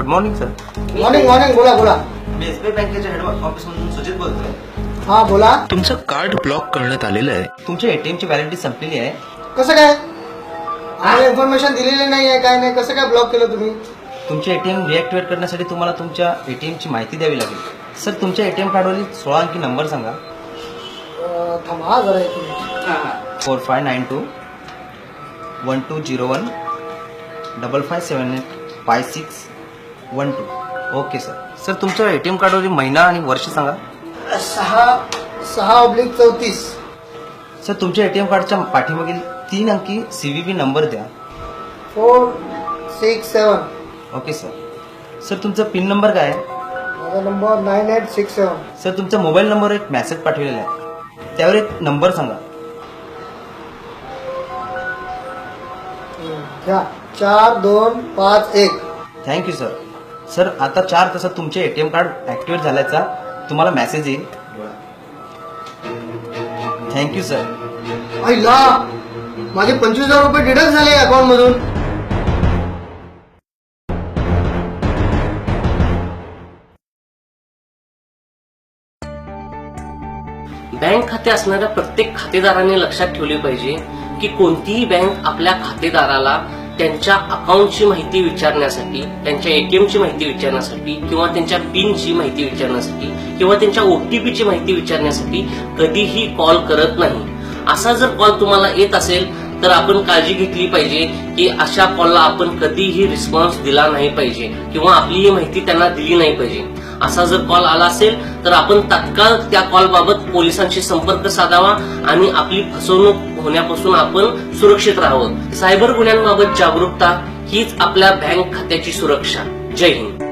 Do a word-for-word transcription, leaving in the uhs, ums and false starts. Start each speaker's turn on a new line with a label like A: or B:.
A: Good morning sir.
B: Morning morning बोला बोला.
A: मी एसबीआय बँकेच्या हेड ऑफिस मधून सुजित बोलतोय.
B: हा बोला.
C: तुमचं कार्ड ब्लॉक करण्यात आलेलं आहे.
A: तुमच्या एटीएम ची व्हॅलिडिटी संपलेली आहे.
B: कसं काय आम्हाला इन्फॉर्मेशन दिलेली नाही आहे, काय नाही, कसं काय ब्लॉक केलं तुम्ही?
A: तुमचे एटीएम रिॲक्टिवेट करण्यासाठी तुम्हाला तुमच्या एटीएम ची माहिती द्यावी लागेल. सर तुमच्या एटीएम कार्डवरील सोळा अंकी नंबर सांगा.
B: अं, थांबा जरा एक minute.
A: Four five nine two one two zero one double five seven eight five six one two. Okay sir. Sir तुमच्या एटीएम कार्डवरील महिना आणि वर्ष सांगा.
B: सहा सहा ऑब्लिक चौतीस.
A: सर तुमच्या एटीएम कार्डच्या पाठीमागील तीन अंकी सीव्हीव्ही नंबर द्या.
B: Four six seven.
A: Okay sir. Sir तुमचा पिन नंबर काय आहे?
B: माझा number nine eight six seven.
A: Sir तुमच्या मोबाईल नंबरवर एक मेसेज पाठवलेला आहे, त्यावर एक नंबर सांगा.
B: घ्या चार दोन पाच एक.
A: Thank you sir. सर आता चार तासात तुमचे एटीएम कार्ड ऍक्टिव्हेट झाल्याचा तुम्हाला मेसेज येईल. Thank you sir.
B: आईला माझे पंचवीस हजार रुपये डिडक्ट झाले अकाउंट मधून.
D: बँक खाते असणाऱ्या प्रत्येक खातेदाराने लक्षात ठेवले पाहिजे की कोणतीही बँक आपल्या खातेदाराला त्यांच्या अकाउंटची माहिती विचारण्यासाठी, त्यांच्या एटीएमची माहिती विचारण्यासाठी किंवा त्यांच्या पिनची माहिती विचारण्यासाठी किंवा त्यांच्या ओटीपीची माहिती विचारण्यासाठी कधीही कॉल करत नाही. असा जर कॉल तुम्हाला येत असेल तर आपण काळजी घेतली पाहिजे की अशा कॉलला आपण कधीही रिस्पॉन्स दिला नाही पाहिजे किंवा आपली ही माहिती त्यांना दिली नाही पाहिजे. असा जर कॉल आला असेल तर आपण तात्काळ त्या कॉल बाबत पोलिसांशी संपर्क साधावा आणि आपली फसवणूक होण्यापासून आपण सुरक्षित राहावं. सायबर गुन्ह्यांबाबत जागरूकता हीच आपल्या बँक खात्याची सुरक्षा. जय हिंद.